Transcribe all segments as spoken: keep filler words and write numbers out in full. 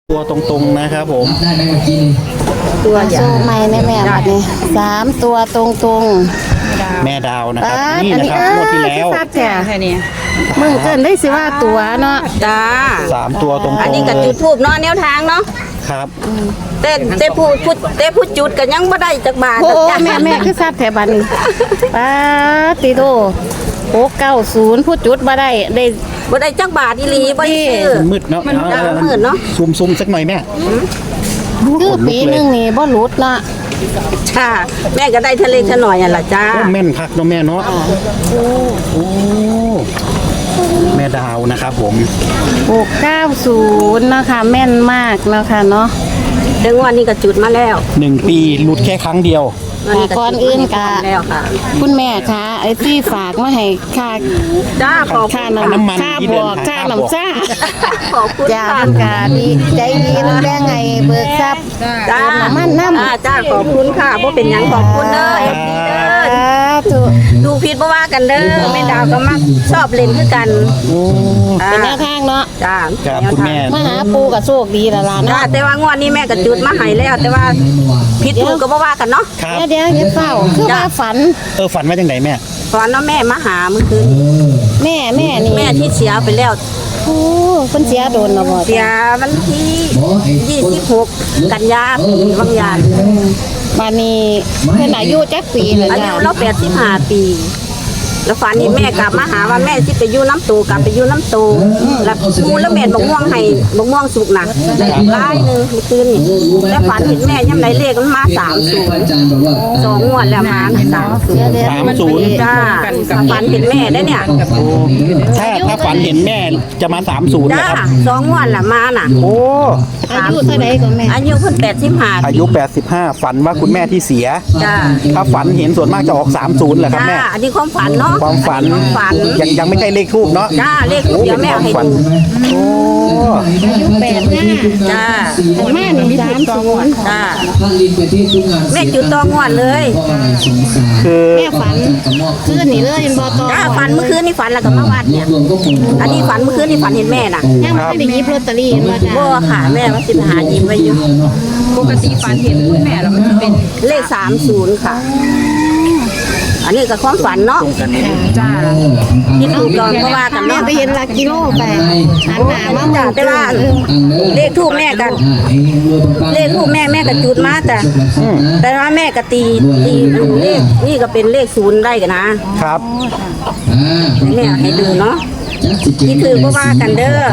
ตัวตรงๆนะครับผมได้ไหมเมื่อกี้ตัวโชคใหม่แม่แม่บัดนี้สามตัวตรงตรงแม่ดาวนะครับนี่นะครับงวดที่แล้วทราบแค่นี้มึงเกินได้สิว่าตัวเนาะจ้าสามตัวตรงๆอันนี้ก็จุดทูบเนาะแนวทางเนาะครับแต่แต่ผู้ผู้แต่ผู้จุดก็ยังบ่ได้จักบาทโอ้แม่แม่คือทราบแถบัดนี้ป้าติโตหกเก้าศูนย์ผู้จุดบ่ได้ได้บ่ได้จักบาทอีหลีบ่ได้ซื้อมืดเนาะมันมืดเนาะซูมๆสักหน่อยแม่คือปีนึงนี่บ่หลุดละจ้าแม่ก็ได้ทะเลทะหน่อยอ่ะล่ะจ้าแม่นคักเนาะแม่เนาะโอ้แม่ดาวนะครับผมหกเก้าศูนย์นะคะแม่นมากนะคะเนาะเดี๋ยววันนี้ก็จุดมาแล้วหนึ่งปีหลุดแค่ครั้งเดียวก่อนอื่นกะแล้วค่ะคุณแม่คะไอ้ที่ฝากมาให้ค่าจ้าขอบค่าน้ำมันค่าบวกค่าน้ำจ้าขอบคุณจ้าค่ะดีใจดีน้ำแดงไงเบิกทรัพย์จ้าน้ำมันน้ำจ้าขอบคุณค่ะบ่เป็นหยังขอบคุณเด้อดูผิดบ่ว่ากันเด้อแม่ดาวก็มักชอบเล่นคือกันเป็นแนวทางเนาะจ้าครับคุณแม่มาหาปูกับโชคดีละล่ะเนาะแต่ว่างวดนี้แม่ก็จุดมาให้แล้วแต่ว่าผิดถูกก็บ่ว่ากันเนาะเดี๋ยวเดี๋ยวเฝ้าคือว่าฝันเออฝันว่าจังไหนแม่ฝันว่าแม่มาหาเมื่อคืนแม่แม่นี่แม่ที่เสียไปแล้วโอ้เพิ่นเสียโดนแล้วบ่เสียวันที่ยี่สิบหกกันยายนบางยานบัดนี้เพิ่นอายุจักปีแล้วอาจ้ะยุเราแปดสิบห้าปีแล้วฝันนี่แม่กลับมาหาว่าแม่สิไปอยู่น้ำตูกลับไปอยู่น้ำตูแล้วมูแล้วแม่บอกม่วงให้บอกม่วงสุกหนักร้ายหนึ่งเมื่อคืนนี่แล้วฝันเห็นแม่ย่ำไรเลขมันมาสามศูนย์สองงวดแล้วมาสามศูนย์สามศูนย์จ้าฝันเห็นแม่ได้เนี่ยถ้าถ้าฝันเห็นแม่จะมาสามศูนย์จ้านะครับสองงวดละมาน่ะโอ้อายุเท่าไหร่ก็แม่อายุเพิ่นแปดสิบห้าอายุแปดสิบห้าฝันว่าคุณแม่ที่เสียจ้าถ้าฝันเห็นส่วนมากจะออกสามศูนย์แหละครับแม่อันนี้ความฝันเนาะความฝันยังยังไม่ใช่เลขทูบเนาะจ้าเลขทูบเดี๋ยวแม่ให้ดูโอ้อายุแปดห้าจ้าแม่หนึ่งสามศูนย์จ้าแม่จุดตองวดเลยคือแม่ฝันคืนนี้เลยบอตอจ้าฝันเมื่อคืนนี่ฝันแล้วก็มาวัดเนี่ยอันนี้ฝันเมื่อคืนนี่ฝันเห็นแม่น่ะยังไม่ได้หยิบลอตเตอรี่มาจ้าบ่ค่ะแม่มาสิบหาหยิบไว้อยู่ปกติฝันเห็นคุณแม่แล้วมันจะเป็นเลขสามศูนย์ค่ะอันนี้ก็ความฝันเนาะจ้าที่ถูกก่อนเพราะว่ากันแม่เนาะไปเห็นหลักกิโลไปหันหน้ามาจ้าแต่ว่าเลขทูบแม่กันเลขทูบแม่แม่ก็จุดมาแต่แต่ว่าแม่ก็ตีตีเลขนี่ก็เป็นเลขศูนย์ได้กันนะครับแม่ให้ดูเนาะที่ถือเพราะว่ากันเด้อ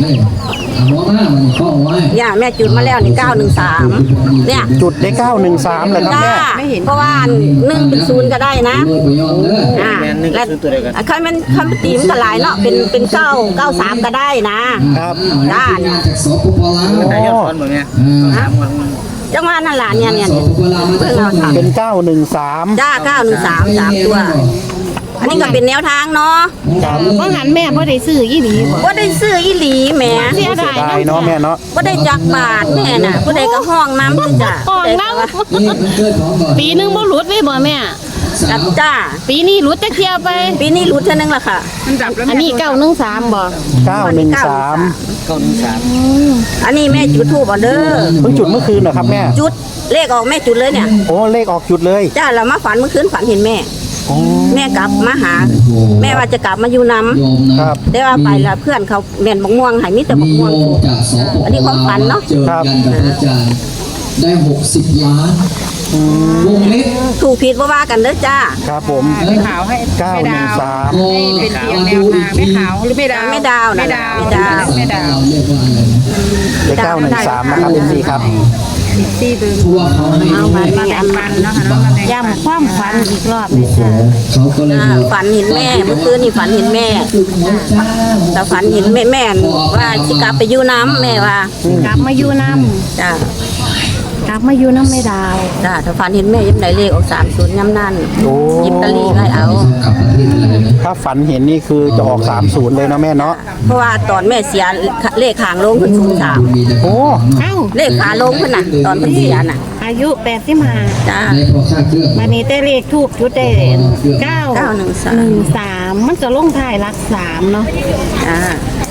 อย่าแม่จุดมาแล้วนี่เก้าหนึ่งสามเนี่ยจุดได้เก้าหนึ่งสามเลยครับแม่เพราะว่าหนึ่งเป็นศูนย์ก็ได้นะอ่าและคันมันคันมันตีมันก็หลายเนาะเป็นเป็นเก้าเก้าสามก็ได้นะครับได้ได้ยอดฟอนเหมือนไงจังหวะนั่นหลานเนี่ยเนี่ยเป็นเก้าหนึ่งสามจ้าเก้าหนึ่งสามสามตัวอันนี้ก็เป็นแนวทางเนาะเพราะหันแม่พ่ได้ซื้ออีหลีบ่ได้ซื้ออีหลีแม่เสียดายเนาะแม่เนาะบ่ได้จักบาทแม่น่ะผู้ใดก็ห้องน้ำคือจ้ะห้องน้ำปีนึงบ่หลุดเลยบ่แม่จ้าปีนี้หลุดจักเที่ยวไปปีนี้หลุดเท่านึงล่ะค่ะอันนี้เก้าหนึ่งสามบ่เก้าหนึ่งสามเก้าหนึ่งสามอันนี้แม่จุดธูปเด้อเพิ่งจุดเมื่อคืนเหรอครับแม่จุดเลขออกแม่จุดเลยเนี่ยโอ้เลขออกจุดเลยจ้าเรามาฝันเมื่อคืนฝันเห็นแม่แม่กลับมาหาแม่ว่าจะกลับมาอยู่น้ำครับได้ว่าไปแล้วเพื่อนเขาแม่นบักม่วงให้มิแต่บักม่วงอันนี้ความฝันเนาะครับได้หกสิบล้านวงเล็บถูกผิดว่าว่ากันเด้อจ้าครับผมไม่ขาวให้เก้าหนึ่งสามเป็นเพียงแนวทางไม่ขาวหรือไม่ดาวไม่ดาวไม่ดาวไม่ดาวไม่ดาวเลขเก้าหนึ่งสามนะครับเอ็มซีครับตีดึงเอามาแบ่งปันเนาะค่ะย้ำความฝันอีกรอบเลยจ้าฝันเห็นแม่เมื่อคืนนี่ฝันเห็นแม่แต่ฝันเห็นแม่แม่ว่าจะกลับไปอยู่น้ำแม่ว่ากลับมาอยู่น้ำจ้ากลับมาอยู่น้ำไม่ดาวจ้าถ้าฝันเห็นแม่ยิ้มไหนเลขออกสามศูนย์ย้ำนั่นยิบตะลีให้เอาถ้าฝันเห็นนี่คือจะออกสามศูนย์เลยนะแม่เนาะเพราะว่าตอนแม่เสียเลขหางลงคือศูนย์สามโอ้เอ้าเลขขาลงขึ้นน่ะตอนเพิ่งเสียน่ะอายุแปดสิบห้าจ้าวันนี้ได้เลขทูบชุดได้เก้าเก้าหนึ่งสามหนึ่งสามมันจะลงท้ายรักสามเนาะจ้า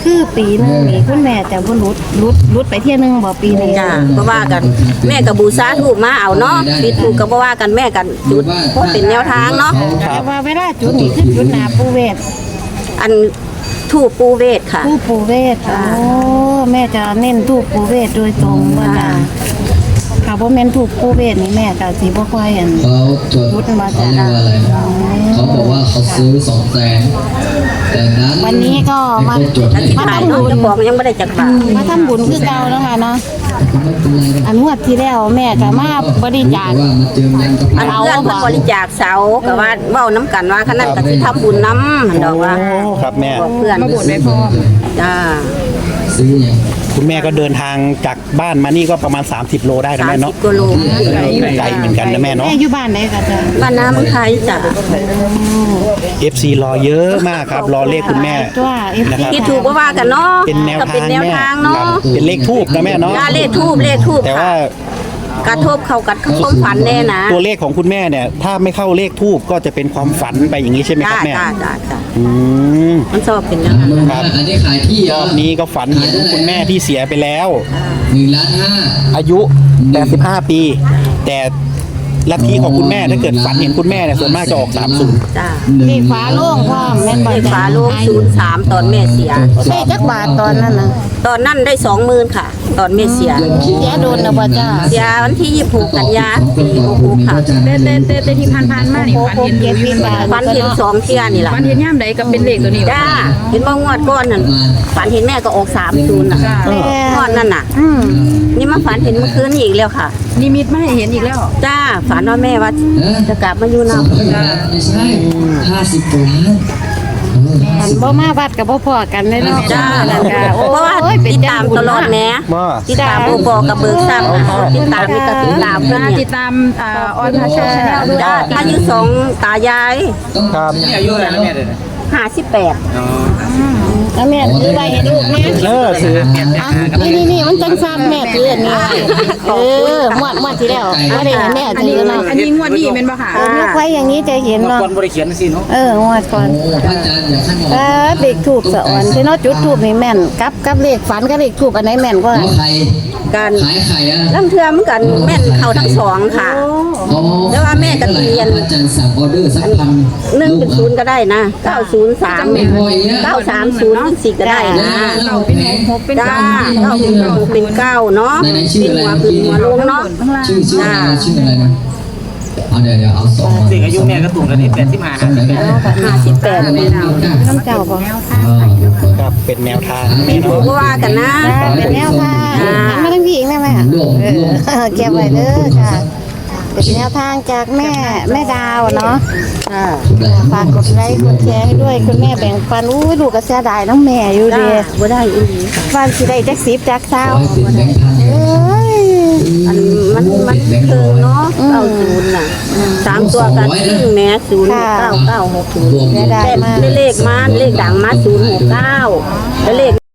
คือปีหนึงนี่คุณแม่จะบ่หลุดหลุดหลุดไปเที่ยหนึงบ่ปีนี้จ้าก็ว่ากันแม่กับบูชาถูกมาเอาเนาะปิดถูกก็บ่ว่ากันแม่กันจุดเพราะเป็นแนวทางเนาะแต่ว่าเวลาจุดนี่คือจุดหน้าปูเวทอันถูกปูเวทค่ะทูปปูเวทโอ้แม่จะเน้นทูปปูเวทโดยตรงว่าจ้ะค่ะบ่แม่นทูปปูเวทนี่แม่ก็สิบ่ค่อยอันเขาจดพุทธมาเขาจากเรียกว่าอะไรนะเขาบอกว่าเขาซื้อสองแสนแต่นั้นวันนี้ก็มาไจดอธิไม่ษฐานได้เนาะจะบอกยังไม่ได้จักบาทมาทำบุญคือเก่าแล้วค่ะเนาะไม่เป็นไรหรอกอันงวดที่แล้วแม่ก็มาบริจาคว่ามาเจิมยันกับอันเราเพื่อนเพิ่นบริจาคเสาก็ว่าเว้าน้ำกันว่าขนาดก็สิทำบุญนำหั่นดอกว่าโอ้ครับแม่บอกเพื่อนมาบวชไว้พ่อจ้าซื้ออย่างคุณแม่ก็เดินทางจากบ้านมานี่ก็ประมาณ สามสิบ โลได้นะแม่เนาะสามสิบกิโลไกลเหมือนกันนะแม่เนาะแม่อยู่บ้านไหนก็จะบ้านน้ำไทยจ้ะเอฟ ซี รอเยอะมากครับ รอเลขคุณแม่ตัวเอฟนะครับซีที่ถูกก็ว่ากันเนาะเป็นแนวก็ทาเป็นงแนวแม่ทางคเนาะรับเป็นเลขทูบนะแม่เนาะจ้าเลขทูบเลขทูบแต่ว่ากระทบเข้ากับความฝันแน่นะตัวเลขของคุณแม่เนี่ย ถ้าไม่เข้าเลขทูบก็จะเป็นความฝันไปอย่างนี้ใช่ไหมคจ้ารับแม่จ้าจ้าจ้าอืมมันชอบเป็นอย่างนั้นครับอันนี้ขายที่รเหรออบนี้ก็ฝันเห็นคุณแม่ที่เสียไปแล้วหนึ่งล้านห้าอายุแปดสิบห้าปี แต่ลัทธิของคุณแม่ถ้าเกิดฝันเห็นคุณแม่เนี่ยส่วนมากจะออกสามศูนย์จ้าเลขฟ้าโล่งพร้อมแม่นบ่เลขฝาโลงศูนย์สามตอนแม่เสียได้จักบาทตอนนั้นน่ะตอนนั้นได้สองหมื่นค่ะ ตอนแม่เสียเสียโดนนะบ่จ้าเสียวันที่ยี่สิบหกกันยาปีหกหกค่ะเต้เต้เต้เต้ที่ผ่านผ่านๆมานี่ฝันเห็นดูอยู่ฝันเห็นสองเที่ยนี่แหละฝันเห็นย่ามใดก็เป็นเลขตัวนี้วะจ้าเห็นว่างวดก้อนนั่นฝันเห็นแม่ก็ออกสามศูนย์น่ะแม่งวดนั่นน่ะอืมนี่มาฝันเห็นเมื่อคืนอีกแล้วค่ะนิมิตมาให้เห็นอีกแล้วจ้าฝันว่าแม่ว่าเออจะกลับมาอยู่สองนำร้อยล้านไม่ใช่ห้าสิบกว่าล้านเออห้าอันสิบบ่มาวัดกับบ่พอกันเลยเนาะจ้านั่นก็โอ้เพราะว่ายเป็นติดจัตาง มบุญตลอดเนาะแหน่ว่าติดตามผู้บอกกับเบิกทรัพย์ติดตามมีก็ติดตามเพื่อนอ่าเนี่ติยดตามอ่าออนพาโชคชาแนลด้วยจ้าอายุสองตายายต้องครับอายุอะไรนะแม่เดี๋ยวห้าสิบแปดแล้วแม่ถือไว้ให้ลูกแม่เออซื้ออ่ะนี่นี่นี่มันจังซ้ำแม่ถืออันนี้ไว้เออหมวดหมวดที่แล้วบ่ได้ให้แม่อันถืนี้อเนาะอันนี้งวดนี้เป็นปะค่ะเออยกไว้อย่างนี้จะเห็นเนาะก่อนบริเขียนสิเนาะเอองวดก่อนโอ้พระอาจารย์อย่าขั้นเออเด็กถูกสะอ่อนที่เนาะจุดถูกนี่แม่นกับกับเลขฝันกับเลขถูกอันไหนแม่นกว่าแล้วใครการขายไข่อะลำเทือมกันแม่นเข้าทั้งสองค่ะอ๋อแล้วว่าแม่ก็เรียนพระอาจารย์สั่งออเดอร์สักพันหนึ่งเป็นศูนย์ก็ได้นะเก้าศูนย์สามไม่พออีกนะเก้าสามศูนย์สี่ก็ได้นะเราเป็นหกเป็นจ้าเก้าเป็นหกเป็นเก้าเนาะเป็นหัวเป็นหัวลงเนาะชื่อชื่ออะไรนะชื่ออะไรนะเอาเดี๋ยวเดี๋ยวเอาสองเด็กอายุแม่ก็ตุ่มกันนี่แปดสิบห้าสองไหนกันห้าสิบแปดน้ำเจ้าบ่ครับเป็นแนวทางแม่เนาะก็ว่ากันนะเป็นแนวทางหันมาทางพี่อีกได้ไหมคะเออเก็บไว้เด้อค่ะ เป็นแนวทางจากแม่แม่ดาวเนาะฝากกดไลค์กดแชร์ให้ด้วยคุณแม่แบ่งปันอู้ยลูกก็เสียดายน้องแม่อยู่จ้าเดีบ่ได้อีหลีค่ะฟันสิได้จักสิบจักเศร้าขอให้เป็นแบงค์พันเอ้ยอันมันมันเคิงเนาะเก้าศูนย์น่ะสามตัวกันซึ่งแม่ศูนย์เก้าเก้าหกศูนย์รวมเสียดายแต่มากเลขมาเลขดังมาศูนย์หกเก้าแล้วเลข